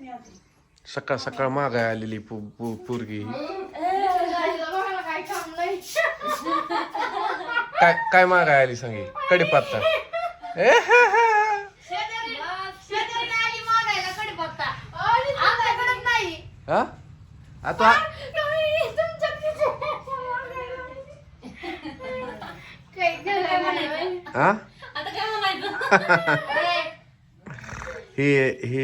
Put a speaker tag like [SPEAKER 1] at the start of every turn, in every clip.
[SPEAKER 1] सकाळ सकाळ मागाय आलेली पोरगी काय काय मागाय आली सांगे कडीपत्ता हा आता हा हे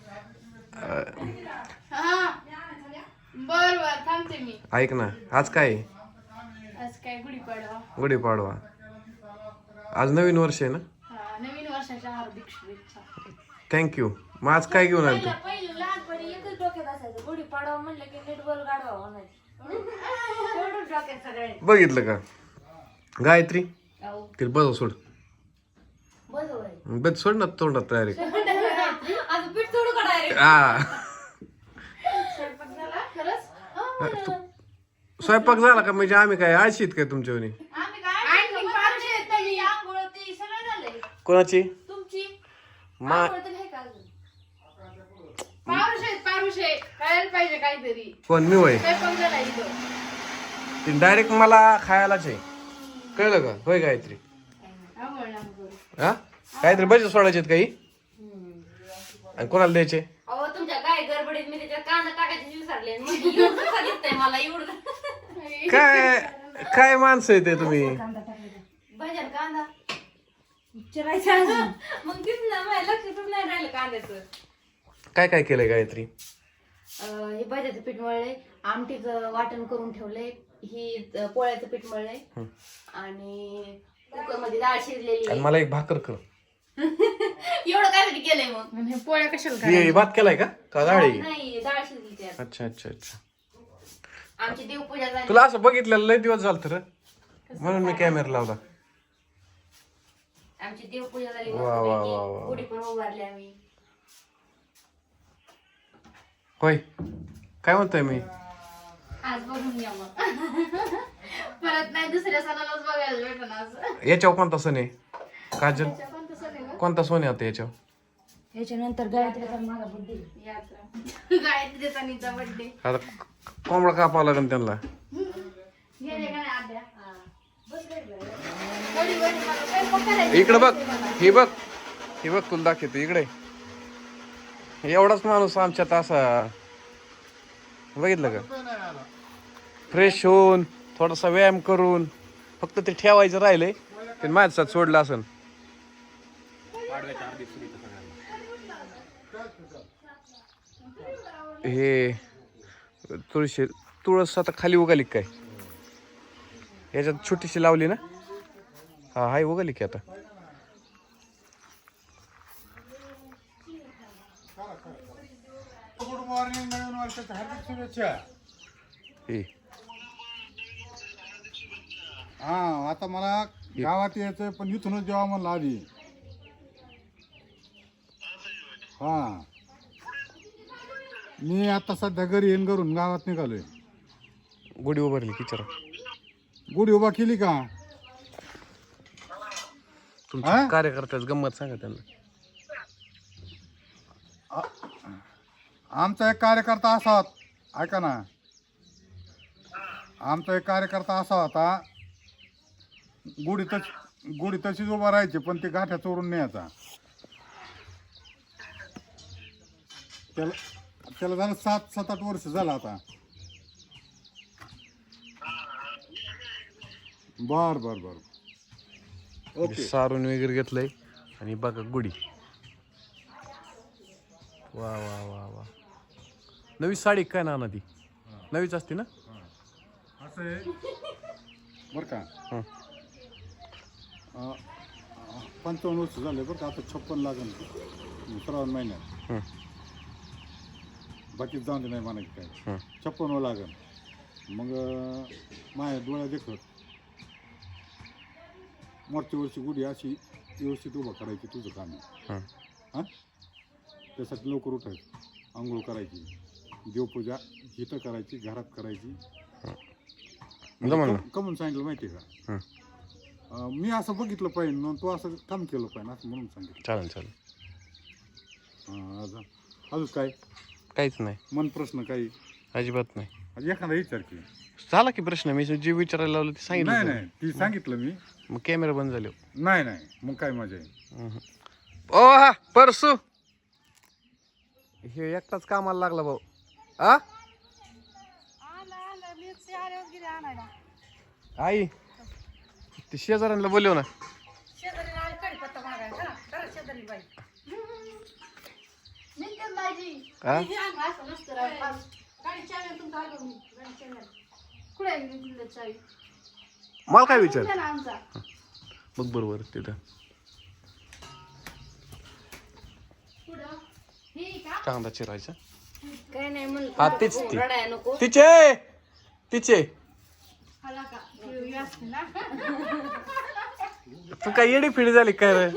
[SPEAKER 2] बर बर थांबते मी.
[SPEAKER 1] ऐक ना आज काय
[SPEAKER 2] आज काय गुढीपाडवा.
[SPEAKER 1] गुढीपाडवा आज नवीन वर्ष आहे ना.
[SPEAKER 2] नवीन वर्षाच्या हार्दिक शुभेच्छा.
[SPEAKER 1] थँक्यू. मग आज काय घेऊन आली तू
[SPEAKER 3] पहिले लहानपणी एकच डोक्यात असायचं गुढीपाडवा म्हणलं की नीट बोल गाडवा म्हणायचं एवढंच डोक्यात सगळे.
[SPEAKER 1] बघितलं का गायत्री तिला बस सोड
[SPEAKER 3] बरोबर
[SPEAKER 1] बस सोड ना तोंडात डायरेक्ट
[SPEAKER 3] आज पीठ सोडू का डायरेक्ट.
[SPEAKER 1] हा
[SPEAKER 2] स्वयंपाक झाला खरंच.
[SPEAKER 1] स्वयंपाक झाला का म्हणजे आम्ही काय आळशीत काय तुमच्यावनी
[SPEAKER 2] आम्ही काय पारुशे आहेत
[SPEAKER 3] आंघोळ ते सगळं झालंय.
[SPEAKER 1] कोणाची
[SPEAKER 3] तुमची
[SPEAKER 1] मा
[SPEAKER 3] आंघोळ तर आहे का अजून.
[SPEAKER 2] पारुशे खायला पाहिजे काहीतरी.
[SPEAKER 1] कोण मी वय
[SPEAKER 2] स्वयंपाक झाला इथं.
[SPEAKER 1] ती डायरेक्ट मला खायलाच आहे कळलं का होय गायत्री
[SPEAKER 2] आंघोळ ना करू.
[SPEAKER 1] हा काहीतरी बजेट सोडायचे काही आणि कोणाला द्यायचे
[SPEAKER 3] अहो तुमच्या काय गडबडीत मी त्याच्यात कांदा टाकायचे विसरले मग एवढं कसं दिसतंय मला एवढं.
[SPEAKER 1] काय काय माणसं आहे ते तुम्ही
[SPEAKER 3] भजन कांदा चिरायचा अजून मग तीच ना माझ्या लक्षातच नाही राहिलं कांद्याचं.
[SPEAKER 1] काय काय केलंय गायत्री
[SPEAKER 3] हे भाज्याचं पीठ मळलंय आमटीचं वाटण करून ठेवलंय ही पोळ्याचं पीठ मळलंय आणि कुकर मध्ये डाळ शिजलेली
[SPEAKER 1] आणि मला एक भाकर कर
[SPEAKER 3] एवढं काय केलंय मग.
[SPEAKER 2] आणि हे पोळ्या कशाला
[SPEAKER 1] हे भात केलाय का गाडी
[SPEAKER 3] नाही डाळ शिजली त्यात.
[SPEAKER 1] अच्छा अच्छा अच्छा
[SPEAKER 3] आमची देवपूजा झाली.
[SPEAKER 1] तुला असं बघितलेलं लय दिवस झालं तर म्हणून मी कॅमेरा लावला.
[SPEAKER 3] आमची देवपूजा झाली
[SPEAKER 1] वा, वा, वा, वा, वा.
[SPEAKER 3] गुढी पण उभारली आम्ही.
[SPEAKER 1] होय काय म्हणतोय मी
[SPEAKER 2] आज बघून घ्या मग. परत नाही दुसऱ्या सणालाच बघायला भेटणार असं.
[SPEAKER 1] याच्यावर कोणता सण आहे काजल
[SPEAKER 2] पण तसं नाही गं.
[SPEAKER 1] कोणता सोन आहे आता याच्यावर
[SPEAKER 3] याच्यानंतर गायत्रीचा माझा बुद्धी
[SPEAKER 2] यात्रा गायत्रीचा नीचा बर्थडे.
[SPEAKER 1] आता कोंबडा कापावा लागेल त्यांना
[SPEAKER 2] गेले का नाही आद्या. वडी वडी मला स्वयंपाक करायचा.
[SPEAKER 1] इकडे बघ हे बघ तुला दाखवतो इकडे एवढाच माणूस आमच्यात असा बघितलं का फ्रेश होऊन थोडासा व्यायाम करून फक्त ते ठेवायचं राहिलंय ते माझ्याच सोडलं असन. हे तुळस आता खाली उगाली काय याच्यात छोटीशी लावली ना हा हाय उगाली की आता
[SPEAKER 4] गुड मॉर्निंग नवीन वर्षाच्या हार्दिक शुभेच्छा.
[SPEAKER 1] हे
[SPEAKER 4] हा आता मला गावात यायचंय पण इथूनच जेव्हा म्हणलं आधी. हा मी आता सध्या घरी येऊन करून गावात निघालोय.
[SPEAKER 1] गुढी उभारली किचरा
[SPEAKER 4] गुढी उभा केली का
[SPEAKER 1] तुमच्या कार्यकर्त्याच गंमत सांगा त्यांना.
[SPEAKER 4] आमचा एक कार्यकर्ता असा होता ऐका ना आमचा एक कार्यकर्ता असा होता गुढी तशीच उभा राहायची पण ते गाठ्या चोरून न्यायचा. त्याला झालं 7-8 वर्ष झालं आता. बर बर बर ओके.
[SPEAKER 1] सारून वगैरे घेतलंय आणि बघा गुढी वा वा वा वा नवी साडी काय ना ती नवीच असते ना
[SPEAKER 4] असं आहे बरं का. 55 वर्ष झाले बरं का. आता 56 लागेल श्रावण महिन्यात. बाकी जाऊन दे नाही म्हणायचं काय 56 लागेल. मग माझ्या डोळ्या देखत मागच्या वर्षी गुढी अशी व्यवस्थित उभा करायची तुझं काम आहे. हां त्यासाठी लवकर उठायचं आंघोळ करायची देवपूजा इथं करायची घरात करायची. कमून सांगितलं माहिती आहे का मी असं बघितलं पाहिजे म्हणून तू असं काम केलं पाहिजे असं म्हणून सांगितलं.
[SPEAKER 1] चालेल चालेल.
[SPEAKER 4] अजून काय
[SPEAKER 1] काहीच नाही,
[SPEAKER 4] मन प्रश्न काही
[SPEAKER 1] अजिबात नाही.
[SPEAKER 4] आज एखादा विचार की.
[SPEAKER 1] झाला की प्रश्न, मी जे विचारायला लावलं ते
[SPEAKER 4] नाही
[SPEAKER 1] सांगितलं.
[SPEAKER 4] नाही ती सांगितलं मी.
[SPEAKER 1] मग कॅमेरा बंद झाले.
[SPEAKER 4] नाही नाही मग काय मजा आहे.
[SPEAKER 1] ओ हा परसू हे एकटाच कामाला लागला भाऊ. आ आई ते शेजाऱ्यांना बोलव ना.
[SPEAKER 2] निघते भाजी.
[SPEAKER 1] हा?
[SPEAKER 2] असं नसतं राव. कुठे आहे निघते चावी?
[SPEAKER 1] मला काय विचार
[SPEAKER 2] कुठे ना आमचा?
[SPEAKER 1] बघ बरोबर तिथं
[SPEAKER 2] कुठं? हे का?
[SPEAKER 1] कांदा चिरायचा.
[SPEAKER 3] काय नाही म्हणलं
[SPEAKER 1] हा तीच ती
[SPEAKER 3] रडाय नको.
[SPEAKER 1] तिचे तिचे
[SPEAKER 2] आला का? हे असते ना.
[SPEAKER 1] तू काय येडी फिडी झाली काय रे?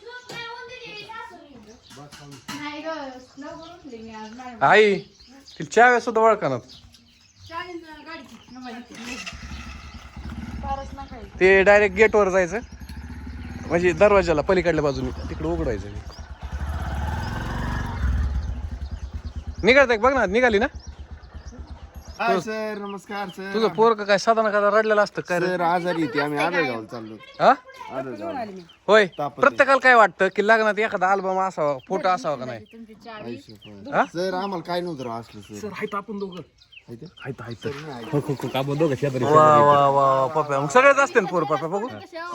[SPEAKER 2] नाही ग, लवकर उठले मी आज. नाही
[SPEAKER 1] आई तिला चाव्या सुद्धा ओळखणार.
[SPEAKER 2] चाळीस गाडीची नंबर फारच नका.
[SPEAKER 1] ते डायरेक्ट गेटवर जायचं, म्हणजे दरवाजाला पलीकडल्या बाजूने तिकडे उघडायचं. निघायचं बघ ना, निघाली ना.
[SPEAKER 5] हाय सर, नमस्कार सर.
[SPEAKER 1] तुझं पोरग काय साधा ना का रडलेलं असतं काय रे?
[SPEAKER 5] सर आजारी येते, आम्ही आदळगावला चाललो.
[SPEAKER 1] हा
[SPEAKER 5] आदळगाव
[SPEAKER 1] होय. प्रत्येकाला काय वाटतं की लग्नात एखादा अल्बम असावा, फोटो असावा का नाही?
[SPEAKER 2] तुमची चावी.
[SPEAKER 1] हा?
[SPEAKER 5] सर आम्हाला काय नव्हतं राव असलं सर.
[SPEAKER 1] हायत आपण दोघं.
[SPEAKER 5] हाय ते?
[SPEAKER 1] हायत
[SPEAKER 5] सर नाही.
[SPEAKER 1] आपण दोघं शेजारी. वा वा वा पप्या, मग सगळेच असते ना पोर पप्या बघू.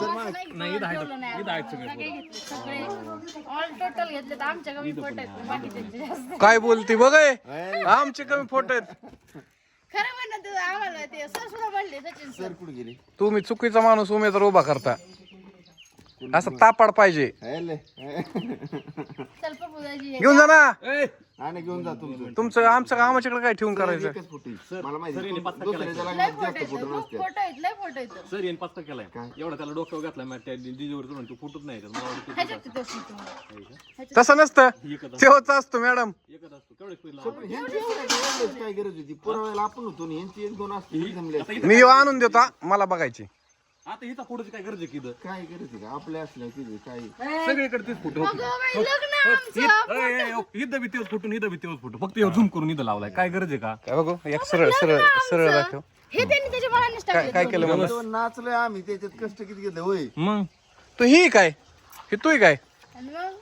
[SPEAKER 2] ऑल टोटल घेतले तर आमच्या कमी फोटो आहेत, बाकीच्यांचे जास्त.
[SPEAKER 1] काय बोलती बघ हे? आमचे कमी फोटो आहेत.
[SPEAKER 2] खरं म्हणणं तुझं आम्हाला ते सर सुद्धा म्हणले सचिन सर.
[SPEAKER 5] सर कुठे गेले?
[SPEAKER 1] तुम्ही चुकीचा माणूस उमेदवार उभा करता. असं तापाड पाहिजे.
[SPEAKER 5] हायले.
[SPEAKER 2] चल पप्पूदाजी
[SPEAKER 1] घेऊन जा ना.
[SPEAKER 5] आणि घेऊन जा तुमचं.
[SPEAKER 1] तुमचं आमचं आमच्याकडे काय ठेवून करायचं?
[SPEAKER 5] एकच फोटो आहे. मला माहिती दुसऱ्याच्या
[SPEAKER 2] लय
[SPEAKER 5] लग्नात
[SPEAKER 2] फोटो
[SPEAKER 5] जास्त
[SPEAKER 2] आहेत,
[SPEAKER 5] फोटो
[SPEAKER 2] खूप
[SPEAKER 5] नसते.
[SPEAKER 2] फोटो आहेत, लय फोटो आहेत.
[SPEAKER 6] सर येईन पास्ता केलाय एवढा त्याला डोक्यावर घातलाय मग त्या जिजीवर चढून तू फुटत नाही मला वाटतं
[SPEAKER 2] ह्याच्यात ते फोटो.
[SPEAKER 1] तसं नसतं, तेव्हाच असतो मॅडम.
[SPEAKER 6] एकच असतो केवढे स्पीड
[SPEAKER 5] ह्यांची एवढंच काय गरज होती? पुरावायला आपण होतो ना, यांची एक दोन असते जमले असते.
[SPEAKER 1] मी येऊ आणून देतो हा, मला बघायची.
[SPEAKER 6] आता हिचा फोटोची काय गरज आहे की इथं?
[SPEAKER 5] काय गरज आहे का आपल्या असल्या तिथे काय?
[SPEAKER 6] सगळीकडे तेच फोटो
[SPEAKER 2] अगं बाई, लग्न आमचं.
[SPEAKER 6] इथं बी तेच फोटो इथं बी तेच फोटो फक्त झूम करून इथं लावलाय काय गरज आहे का?
[SPEAKER 1] काय बघू एक सरळ सरळ सरळ दाखव.
[SPEAKER 2] हे त्यांनी त्याच्या मनानेच
[SPEAKER 1] काय
[SPEAKER 2] टाकले.
[SPEAKER 1] काय केलं मला?
[SPEAKER 5] तो नाचलोय आम्ही, त्याच्यात कष्ट किती घेतलं होय.
[SPEAKER 6] मग
[SPEAKER 1] तू ही काय, हे तू काय?
[SPEAKER 2] आणि मग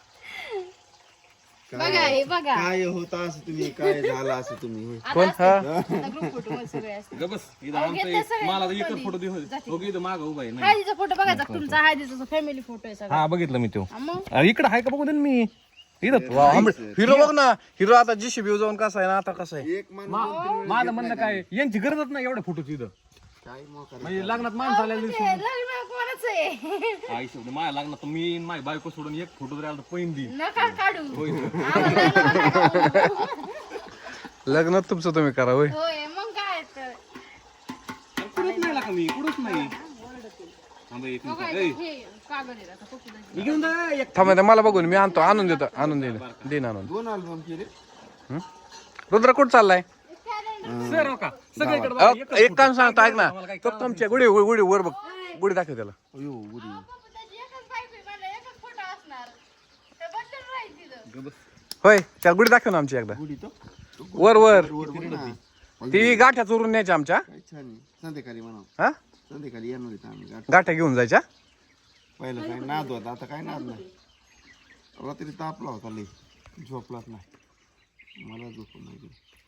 [SPEAKER 2] बघा हे बघा.
[SPEAKER 5] काय होता असं तुम्ही, काय झालं असं तुम्ही होय.
[SPEAKER 1] कोण? हा
[SPEAKER 2] ग्रुप फोटो मध्ये सगळे असतात.
[SPEAKER 6] बस इथं
[SPEAKER 2] अहो, घेतले
[SPEAKER 6] आमचं
[SPEAKER 2] सगळे
[SPEAKER 6] मला तर
[SPEAKER 2] कधी?
[SPEAKER 6] एकच फोटो दे हो इथं मागं उभा आहे नाही
[SPEAKER 2] हळदीचा फोटो बघायचा का तुमचा? हळदीचा फॅमिली फोटो आहे सगळा.
[SPEAKER 6] हा बघितलं मी तो
[SPEAKER 2] हा मग
[SPEAKER 6] इकडे आहे का बघू दे ना मी इथं
[SPEAKER 1] हिरो बघ ना, हिरो आता जीसीबी जाऊन कसा आहे ना, आता कसा आहे.
[SPEAKER 5] एक माणूस
[SPEAKER 6] माझं म्हणणं काय यांची गरजच नाही एवढ्या फोटोची इथं
[SPEAKER 5] काय मोकार.
[SPEAKER 6] म्हणजे लग्नात माणसं आलेली
[SPEAKER 2] ते लग्न कोणाचं आहे?
[SPEAKER 6] आई शब्द माझ्या लग्नात तर मी माझी बायको सोडून एक फोटो जर आला तर पैन दी
[SPEAKER 2] नका काढू. आम्हाला नका.
[SPEAKER 1] लग्नात तुमचं तुम्ही करा होय.
[SPEAKER 2] होय मग काय तर.
[SPEAKER 6] कुठंच नाही का मी कुठंच नाही थांबा एक मिनिट.
[SPEAKER 2] बघायचं हे कागद आहे आता पप्पूदाजी.
[SPEAKER 6] घेऊन जा एक
[SPEAKER 1] थांबा मला बघून मी आणतो, आणून देतो, आणून देईन आणून.
[SPEAKER 5] दोन अल्बम केले.
[SPEAKER 1] रुद्र कुठं चाललाय?
[SPEAKER 6] सर हो का सगळीकडे
[SPEAKER 1] अहो, एक काम सांगतो ऐक ना, तो तुमच्या गुढी गुढी वर बघ, गुढी दाखव त्याला.
[SPEAKER 5] अयो उडी.
[SPEAKER 2] पप्पूदाजी एकच बायको आहे, मला एकच फोटो असणार. ते बदलून राहील तिथं.
[SPEAKER 1] होय त्या गुढी दाखव ना आमची एकदा.
[SPEAKER 5] उडी तो
[SPEAKER 1] वर वर
[SPEAKER 5] वर बघ ना.
[SPEAKER 1] ती गाठ्या चोरून न्यायच्या आमच्या.
[SPEAKER 5] काय छान आहे. संध्याकाळी म्हणा,
[SPEAKER 1] हा
[SPEAKER 5] संध्याकाळी येणार आहेत आम्ही.
[SPEAKER 1] गाठ्या घेऊन जायच्या.
[SPEAKER 5] पहिलं काय नाद होता, आता काय नाद नाही. रात्री तापला होता लई, झोपलाच नाही. मला झोप नाही.